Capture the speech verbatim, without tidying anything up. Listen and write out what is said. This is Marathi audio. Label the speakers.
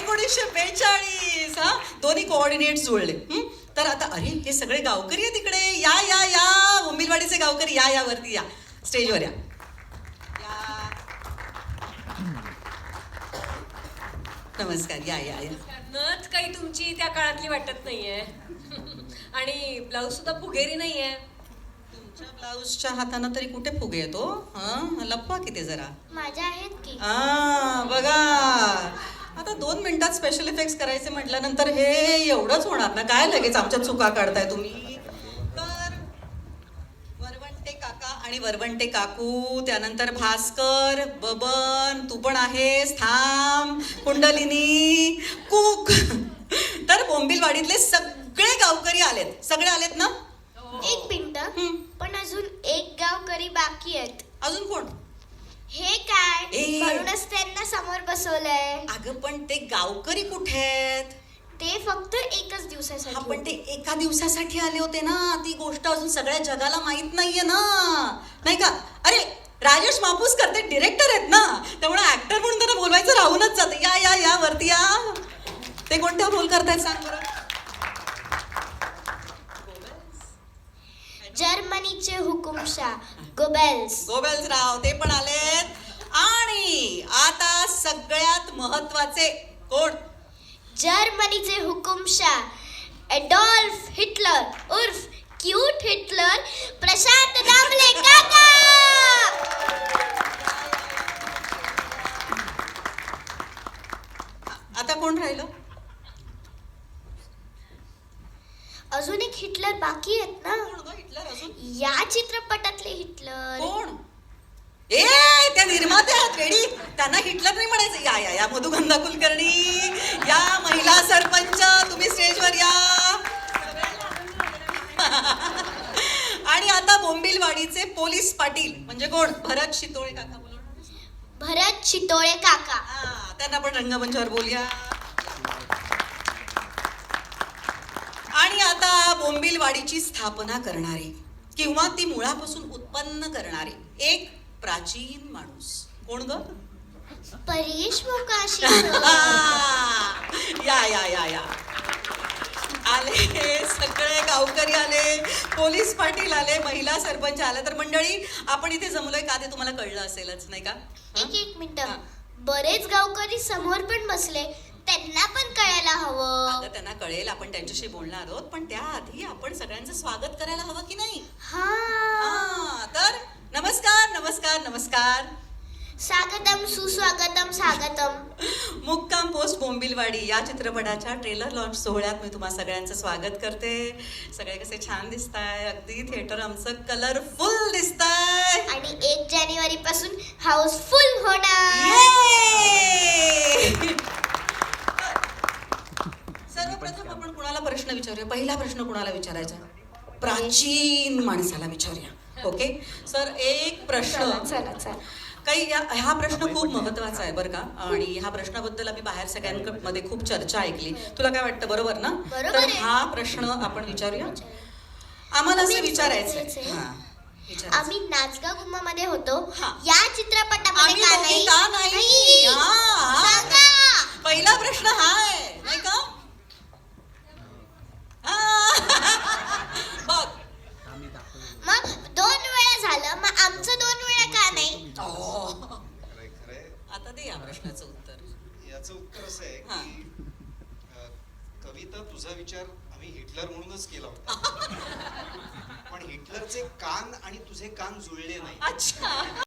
Speaker 1: एकोणीसशे बेचाळीस. हा, दोन्ही कोऑर्डिनेट जुळले. हं? तर आता अरे हे सगळे गावकरी आहे तिकडे. या या या बोंबिलवाडीचे गावकरी या या वरती या, स्टेजवर या. या. नमस्कार, या या या.
Speaker 2: नथ काही तुमची त्या काळातली वाटत नाहीये. आणि ब्लाऊज सुद्धा फुगेरी नाहीये.
Speaker 1: तुमच्या ब्लाऊजच्या हातानं तरी कुठे फुगे येतो? हा, लपवा किती जरा.
Speaker 3: माझ्या आहेत की.
Speaker 1: हा बघा, आता दोन मिनिटात स्पेशल इफेक्ट्स करायचे म्हटल्यानंतर हे एवढंच होणार ना? काय लगेच आमच्या चुका काढताय तुम्ही? तर वरवंटे काका आणि वरवंटे काकू, त्यानंतर भास्कर, बबन, तू पण आहेस, थांब, कुंडलिनी, कुक. तर बोंबिलवाडीतले सगळे गावकरी आलेत. सगळे आलेत ना?
Speaker 3: एक मिनिट,
Speaker 1: हं.
Speaker 3: पण अजून एक गावकरी बाकी आहेत.
Speaker 1: अजून कोण?
Speaker 3: हे काय?
Speaker 1: ए.
Speaker 3: म्हणूनच त्यांना समोर बसवलंय.
Speaker 1: अगं पण ते गावकरी कुठे आहेत?
Speaker 3: ते फक्त एकच दिवसासाठी
Speaker 1: हा, पण
Speaker 3: होते.
Speaker 1: ते एका दिवसासाठी आले होते ना. ती गोष्ट अजून सगळ्या जगाला माहित नाहीये ना, नाही का? अरे राजेश मापूसकर ते डिरेक्टर आहेत ना, त्यामुळे ऍक्टर म्हणून त्यांना बोलवायचं राहूनच जातं. या या या वरती या. ते कोणत्या रोल करतायत सांग बरं?
Speaker 3: जर्मनीचे हुकुमशाह गोबेल्स.
Speaker 1: गोबेल्स राव ते पण आलेत. आणि आता सगळ्यात महत्वाचे कोण?
Speaker 3: जर्मनीचे हुकुमशाह एडॉल्फ हिटलर उर्फ क्यूट हिटलर प्रशांत दामले काका.
Speaker 1: आता कोण राहिलं?
Speaker 3: अजून एक हिटलर बाकी आहेत ना.
Speaker 1: कोण गं हिटलर अजून?
Speaker 3: या चित्रपटातले हिटलर.
Speaker 1: कोण? ए त्या निर्मात्या आहेत वेडी, त्यांना हिटलर नाही म्हणायचं. या या या मधुगंधा कुलकर्णी, या महिला सरपंच, तुम्ही स्टेजवर या. आणि आता बोंबिलवाडीचे पोलीस पाटील म्हणजे कोण? भरत शितोळे काका. बोला.
Speaker 3: भरत शितोळे काका.
Speaker 1: हा, त्यांना पण रंगमंचावर बोलूया. आणि आता बोंबिलवाडीची स्थापना करणारे किंवा ती मुळापासून उत्पन्न करणारे एक प्राचीन माणूस. कोण ग?
Speaker 3: परेश मोकाशी.
Speaker 1: या या या या आले, सगळे गावकरी आले, पोलीस पाटील आले, महिला सरपंच आले. तर मंडळी, आपण इथे जमलोय का ते तुम्हाला कळलं असेलच, नाही का?
Speaker 3: एक एक मिनिट,
Speaker 1: हा.
Speaker 3: बरेच गावकरी समोर पण बसले, त्यांना पण कळायला हवं.
Speaker 1: अगं त्यांना कळेल, आपण त्यांच्याशी बोलणार आहोत, पण त्याआधी आपण सगळ्यांचं स्वागत करायला हवं की नाही?
Speaker 3: हा.
Speaker 1: हा, तर नमस्कार नमस्कार नमस्कार.
Speaker 3: स्वागतम सुस्वागतम स्वागतम.
Speaker 1: मुक्काम पोस्ट बोंबिलवाडी या चित्रपटाच्या ट्रेलर लॉन्च सोहळ्यात मी तुम्हा सगळ्यांचं स्वागत करते. सगळे कसे छान दिसताय, अगदी थिएटर आमचं कलरफुल दिसतंय.
Speaker 3: आणि एक जानेवारी पासून हाऊसफुल होणार.
Speaker 1: Yay! सर्वप्रथम आपण कुणाला प्रश्न विचारूया? पहिला प्रश्न कुणाला विचारायचा? प्राचीन माणसाला विचारूया. ओके सर, एक प्रश्न.
Speaker 3: चला चला.
Speaker 1: काही या- हा प्रश्न खूप महत्वाचा आहे बरं का, आणि ह्या प्रश्नाबद्दल आम्ही बाहेर सगळ्यांमध्ये खूप चर्चा ऐकली. तुला काय वाटतं, बरोबर ना?
Speaker 3: बरोबर
Speaker 1: तर
Speaker 3: आहे.
Speaker 1: हा प्रश्न आपण विचारूया. आम्हाला असं विचारायचं
Speaker 3: विचारायचंय.
Speaker 1: हा, विचारायचं.
Speaker 3: आम्ही नाचगा गुम्मा मध्ये होतो.
Speaker 1: हा.
Speaker 3: या चित्रपटामध्ये
Speaker 1: आम्ही
Speaker 3: का
Speaker 1: दोघी
Speaker 3: नाही?
Speaker 1: का नाही? हा, हा.
Speaker 3: सांगा.
Speaker 1: पहिला प्रश्न हा आहे, नाही का? हा. बघ,
Speaker 3: मग दोन वेळा झालं, मग आमचं दोन वेळा का नाही?
Speaker 1: ओ.
Speaker 4: खरंय, खरंय.
Speaker 1: आता दे या प्रश्नाचं उत्तर.
Speaker 4: याचं उत्तर असं आहे
Speaker 1: हा.
Speaker 4: की अ, कविता, तुझा विचार आम्ही हिटलर म्हणूनच केला होता, पण हिटलरचे कान आणि तुझे कान जुळले नाही.
Speaker 1: अच्छा.